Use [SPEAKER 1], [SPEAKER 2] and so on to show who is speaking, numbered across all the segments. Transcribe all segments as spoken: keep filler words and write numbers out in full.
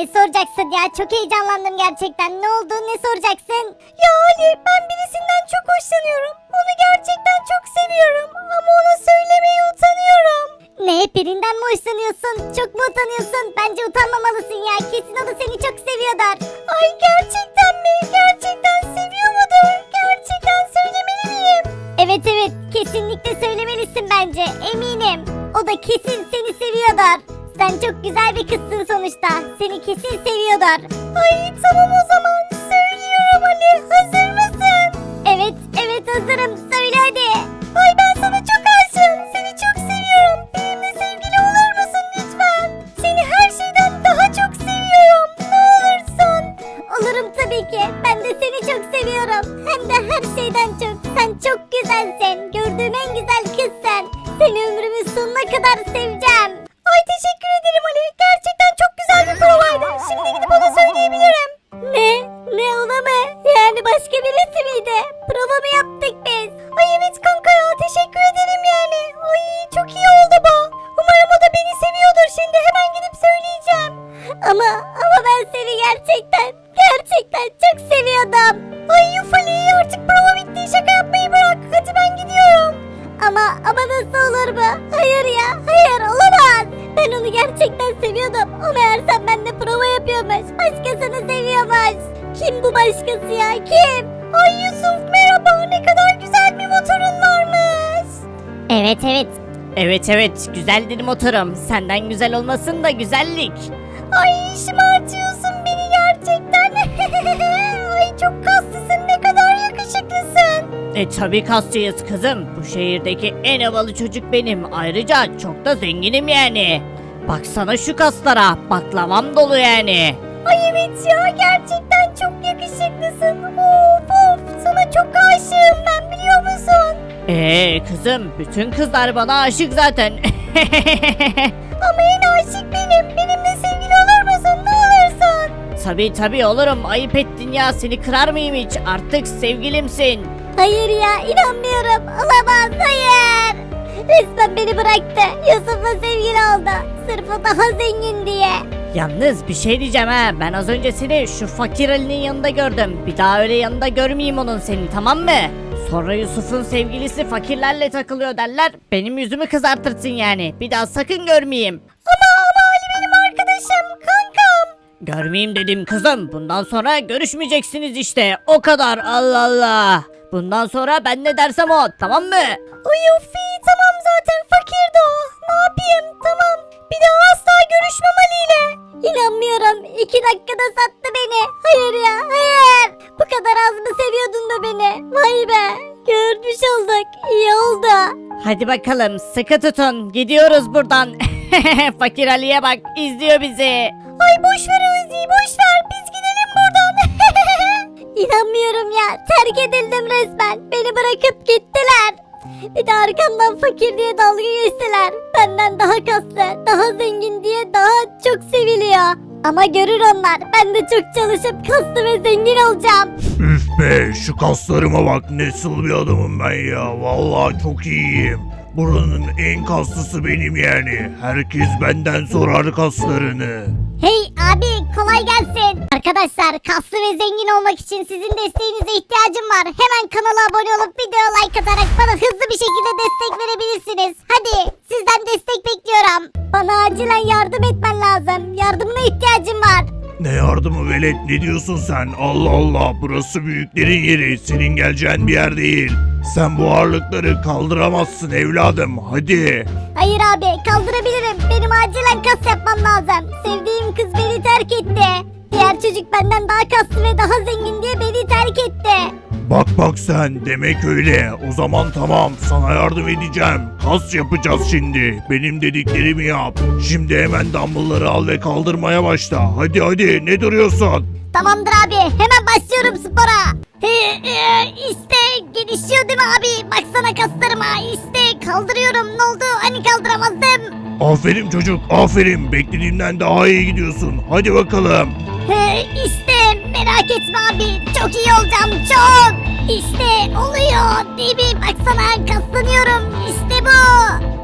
[SPEAKER 1] ne soracaksın ya? Çok heyecanlandım gerçekten. Ne oldu? Ne soracaksın? Ya Ali, ben birisinden çok hoşlanıyorum. Onu gerçekten çok seviyorum. Ama ona söylemeye utanıyorum. Ne? Birinden mi hoşlanıyorsun? Çok mu utanıyorsun? Bence utanmamalısın ya. Kesin o da seni çok seviyordur. Ay gerçekten mi? Gerçekten seviyor mudur? Gerçekten söylemeli miyim? Evet evet. Kesinlikle söylemelisin bence. Eminim. O da kesin seni seviyordur. Sen çok güzel bir kızsın sonuçta. Seni kesin seviyordur. Ay tamam o zaman. Söylüyorum Ali. Hazır mısın? Evet evet hazırım. Söyle hadi. Ay ben sana çok aşığım. Seni çok seviyorum. Benimle sevgili olur musun lütfen? Seni her şeyden daha çok seviyorum. Ne olursun. Olurum tabii ki. Ben de seni çok seviyorum. Hem de her şeyden çok. Sen çok güzelsin. Gördüğüm en güzel kız sen. Seni ömrümün sonuna kadar seveceğim. Ay teşekkür ederim Ali. Gerçekten çok güzel bir provaydı. Şimdi gidip ona söyleyebilirim. Ne? Ne ona mı? Yani başka birisi miydi? Prova mı yaptık biz? Ay evet kanka ya teşekkür ederim yani. Ay çok iyi oldu bu. Umarım o da beni seviyordur. Şimdi hemen gidip söyleyeceğim. Ama ama ben seni gerçekten gerçekten çok seviyordum. Ay yuf Ali artık prova bitti. Şaka yapmayı bırak. Hadi ben gidiyorum. Ama ama nasıl olur bu? Hayır ya hayır olamaz. Ben onu gerçekten seviyordum. O meğersem benimle prova yapıyormuş. Başkasını seviyormuş. Kim bu başkası ya kim? Ay Yusuf merhaba ne kadar güzel bir motorun varmış. Evet evet.
[SPEAKER 2] Evet evet güzeldir motorum. Senden güzel olmasın da güzellik.
[SPEAKER 1] Ay şımartıyorsun beni gerçekten. Ay çok kaslısın ne kadar yakışıklısın.
[SPEAKER 2] E tabi kasçıyız kızım. Bu şehirdeki en havalı çocuk benim. Ayrıca çok da zenginim yani. Baksana şu kaslara. Baklavam dolu yani.
[SPEAKER 1] Ay evet ya gerçekten çok yakışıklısın. Of of sana çok aşığım ben biliyor musun?
[SPEAKER 2] Eee kızım bütün kızlar bana aşık zaten.
[SPEAKER 1] Ama en aşık benim. Benimle sevgili olur musun ne olursun?
[SPEAKER 2] Tabi tabi olurum. Ayıp ettin ya. Seni kırar mıyım hiç? Artık sevgilimsin.
[SPEAKER 1] Hayır ya inanmıyorum. Olamaz hayır. Resmen beni bıraktı. Yusuf'la sevgili oldu. Sırf o daha zengin diye.
[SPEAKER 2] Yalnız bir şey diyeceğim ha. Ben az önce seni şu fakir Ali'nin yanında gördüm. Bir daha öyle yanında görmeyeyim onun seni tamam mı? Sonra Yusuf'un sevgilisi fakirlerle takılıyor derler. Benim yüzümü kızartırsın yani. Bir daha sakın görmeyeyim.
[SPEAKER 1] Ama ama Ali benim arkadaşım. Kankam.
[SPEAKER 2] Görmeyeyim dedim kızım. Bundan sonra görüşmeyeceksiniz işte. O kadar Allah Allah. Bundan sonra ben ne dersem o tamam mı?
[SPEAKER 1] Ay of iyi tamam zaten fakirdi o. Ne yapayım tamam. Bir daha asla görüşmem Ali ile. İnanmıyorum. İki dakikada sattı beni. Hayır ya hayır. Bu kadar az mı seviyordun da beni? Vay be. Görmüş olduk. İyi oldu.
[SPEAKER 2] Hadi bakalım sıkı tutun. Gidiyoruz buradan. Fakir Ali'ye bak izliyor bizi.
[SPEAKER 1] Ay boş ver Özgü boş ver. Biz gidelim buradan. İnanmıyorum ya. Terk edildim resmen. Beni bırakıp gittiler. Bir de arkamdan fakir diye dalga geçtiler. Benden daha kaslı, daha zengin diye daha çok seviliyor. Ama görür onlar. Ben de çok çalışıp kaslı ve zengin olacağım.
[SPEAKER 3] Üf be şu kaslarıma bak nasıl bir adamım ben ya. Vallahi çok iyiyim. Buranın en kaslısı benim yani. Herkes benden sorar kaslarını.
[SPEAKER 1] Hey abi kolay gelsin. Arkadaşlar kaslı ve zengin olmak için sizin desteğinize ihtiyacım var. Hemen kanala abone olup videoya like atarak bana hızlı bir şekilde destek verebilirsiniz. Hadi sizden destek bekliyorum. Bana acilen yardım etmen lazım. Yardımına ihtiyacım var.
[SPEAKER 3] Ne yardımı velet ne diyorsun sen? Allah Allah burası büyüklerin yeri. Senin geleceğin bir yer değil. Sen bu ağırlıkları kaldıramazsın evladım hadi.
[SPEAKER 1] Hayır abi kaldırabilirim. Benim acilen kas yapmam lazım. Sevdiğim kız beni terk etti. Diğer çocuk benden daha kaslı ve daha zengin diye beni terk etti.
[SPEAKER 3] Bak bak sen demek öyle. O zaman tamam sana yardım edeceğim. Kas yapacağız şimdi. Benim dediklerimi yap. Şimdi hemen dumbbellları al ve kaldırmaya başla. Hadi hadi ne duruyorsun?
[SPEAKER 1] Tamamdır abi hemen başlıyorum spora. İşte gelişiyor değil mi abi? Baksana kaslarıma işte kaldırıyorum. Ne oldu? Hani kaldıramazdım?
[SPEAKER 3] Aferin çocuk aferin. Beklediğimden daha iyi gidiyorsun. Hadi bakalım.
[SPEAKER 1] İşte merak etme abi. Çok iyi olacağım çok. İşte oluyor değil mi? Baksana kaslanıyorum. İşte bu.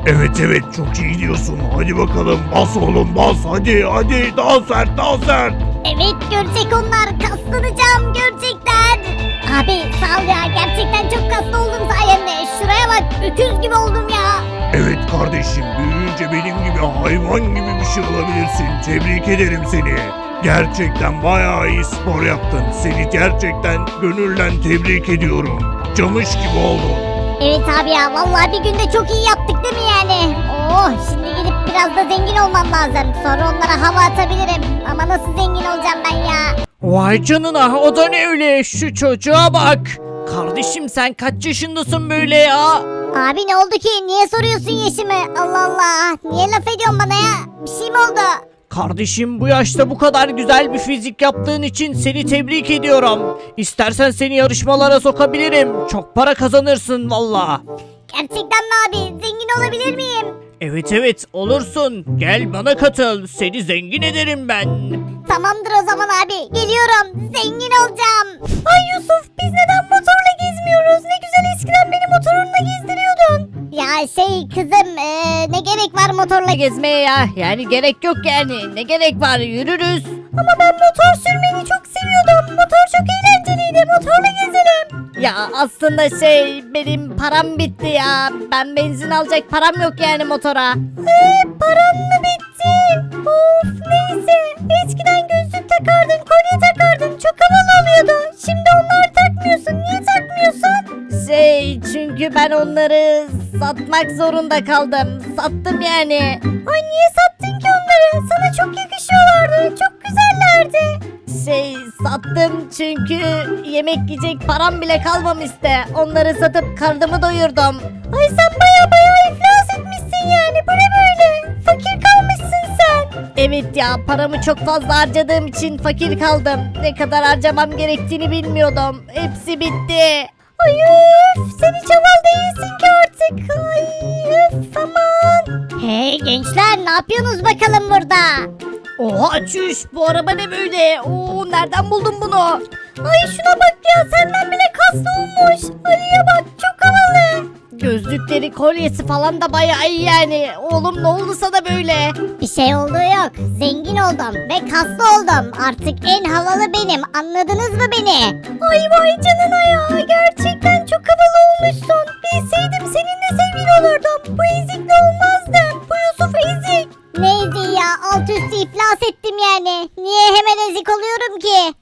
[SPEAKER 3] Evet evet çok iyi diyorsun. Hadi bakalım bas oğlum bas. Hadi hadi daha sert daha sert.
[SPEAKER 1] Evet görecek onlar, kaslanacağım gerçekten. Abi sağ ol ya, gerçekten çok kaslı oldum sayende. Şuraya bak, öküz gibi oldum ya.
[SPEAKER 3] Evet kardeşim büyüyünce benim gibi hayvan gibi bir şey olabilirsin. Tebrik ederim seni. Gerçekten bayağı iyi spor yaptın. Seni gerçekten gönülden tebrik ediyorum. Camış gibi oldun.
[SPEAKER 1] Evet abi ya, vallahi bir günde çok iyi yaptık değil mi yani? Oh, şimdi gidip biraz da zengin olmam lazım. Sonra onlara hava atabilirim. Ama nasıl zengin olacağım ben ya?
[SPEAKER 2] Vay canına, o da ne öyle, şu çocuğa bak. Kardeşim sen kaç yaşındasın böyle ya?
[SPEAKER 1] Abi ne oldu ki? Niye soruyorsun yaşımı? Allah Allah. Niye laf ediyorsun bana ya? Bir şey mi oldu?
[SPEAKER 2] Kardeşim bu yaşta bu kadar güzel bir fizik yaptığın için seni tebrik ediyorum. İstersen seni yarışmalara sokabilirim. Çok para kazanırsın valla.
[SPEAKER 1] Gerçekten mi abi? Zengin olabilir miyim?
[SPEAKER 2] Evet evet olursun. Gel bana katıl. Seni zengin ederim ben.
[SPEAKER 1] Tamamdır o zaman abi. Geliyorum. Zengin olacağım. Ay Yusuf, biz neden motorla gezmiyoruz? Ne güzel eskiden beni motorunla gezdiriyordun. Ya şey kızım, eee, ne gerek var motorla gez...
[SPEAKER 2] Gezmeye ya. Yani gerek yok yani. Ne gerek var, yürürüz.
[SPEAKER 1] Ama ben motor sürmeyi çok seviyordum. Motor çok eğlenceliydi. Motorla gezelim.
[SPEAKER 2] Ya aslında şey benim param bitti ya. Ben benzin alacak param yok yani motora.
[SPEAKER 1] Eee paran mı bitti? Of neyse. Eskiden gözlük takardın, kolye takardın. Çok havalı oluyordu. Şimdi onları takmıyorsun. Niye takmıyorsun?
[SPEAKER 2] Şey çünkü ben onları satmak zorunda kaldım. Sattım yani.
[SPEAKER 1] Ay niye sattın ki onları? Sana çok yakışıyorlardı. Çok güzellerdi.
[SPEAKER 2] Şey sattım çünkü yemek yiyecek param bile kalmamıştı. Onları satıp karnımı doyurdum.
[SPEAKER 1] Ay sen baya baya iflas etmişsin yani. Bu ne böyle? Fakir kalmışsın sen.
[SPEAKER 2] Evet ya, paramı çok fazla harcadığım için fakir kaldım. Ne kadar harcamam gerektiğini bilmiyordum. Hepsi bitti.
[SPEAKER 1] Ay üf, sen hiç havalı değilsin ki artık. Ay üf aman. Hey gençler, ne yapıyorsunuz bakalım burada?
[SPEAKER 2] Oha çüş, bu araba ne böyle? Oo, nereden buldun bunu?
[SPEAKER 1] Ay şuna bak ya, senden bile kaslı olmuş. Ali'ye bak, çok havalı.
[SPEAKER 2] Gözlükleri, kolyesi falan da bayağı iyi yani. Oğlum ne oldu sana böyle?
[SPEAKER 1] Bir şey olduğu yok. Zengin oldum ve kaslı oldum. Artık en havalı benim. Anladınız mı beni? Ay vay canına ya. Gerçekten çok havalı olmuşsun. Bilseydim seninle sevgili olurdum. Bu ezikle olmazdım. Bu Yusuf ezik. Ne eziği ya? Alt üstü iflas ettim yani. Niye hemen ezik oluyorum ki?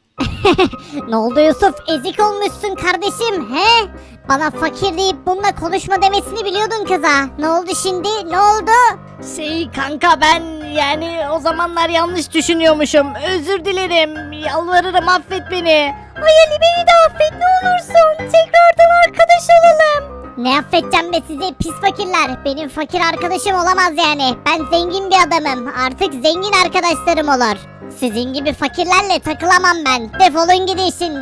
[SPEAKER 1] Ne oldu Yusuf? Ezik olmuşsun kardeşim. He? Bana fakir deyip bununla konuşma demesini biliyordun kıza. Ne oldu şimdi? Ne oldu?
[SPEAKER 2] Şey kanka, ben yani o zamanlar yanlış düşünüyormuşum. Özür dilerim. Yalvarırım, affet beni.
[SPEAKER 1] Ay Ali, beni de affet ne olursun. Tekrardan arkadaş olalım. Ne affedeceğim be sizi pis fakirler. Benim fakir arkadaşım olamaz yani. Ben zengin bir adamım. Artık zengin arkadaşlarım olur. Sizin gibi fakirlerle takılamam ben. Defolun gidin şimdi.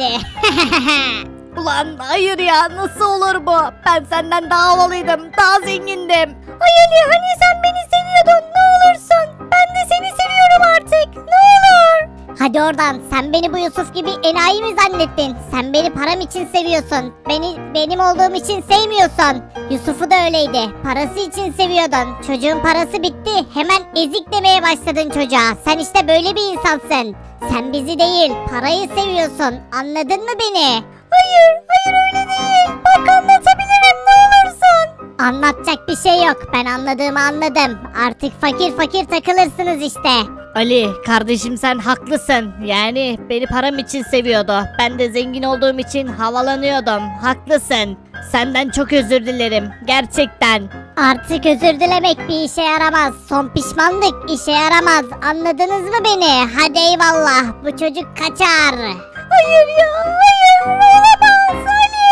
[SPEAKER 2] Ulan hayır ya, nasıl olur bu? Ben senden daha havalıydım, daha zengindim.
[SPEAKER 1] Ay Ali, hani sen beni seviyordun, ne olursun. Ben de seni seviyorum artık, ne olur. Hadi oradan, sen beni bu Yusuf gibi enayi mi zannettin? Sen beni param için seviyorsun. Beni benim olduğum için sevmiyorsun. Yusuf'u da öyleydi. Parası için seviyordun. Çocuğun parası bitti. Hemen ezik demeye başladın çocuğa. Sen işte böyle bir insansın. Sen bizi değil, parayı seviyorsun. Anladın mı beni? Hayır, hayır öyle değil. Bak anlatabilirim ne olursun. Anlatacak bir şey yok. Ben anladığımı anladım. Artık fakir fakir takılırsınız işte.
[SPEAKER 2] Ali kardeşim, sen haklısın. Yani beni param için seviyordu. Ben de zengin olduğum için havalanıyordum. Haklısın. Senden çok özür dilerim. Gerçekten.
[SPEAKER 1] Artık özür dilemek bir işe yaramaz. Son pişmanlık işe yaramaz. Anladınız mı beni? Hadi eyvallah. Bu çocuk kaçar. Hayır ya, hayır. Olamaz Ali.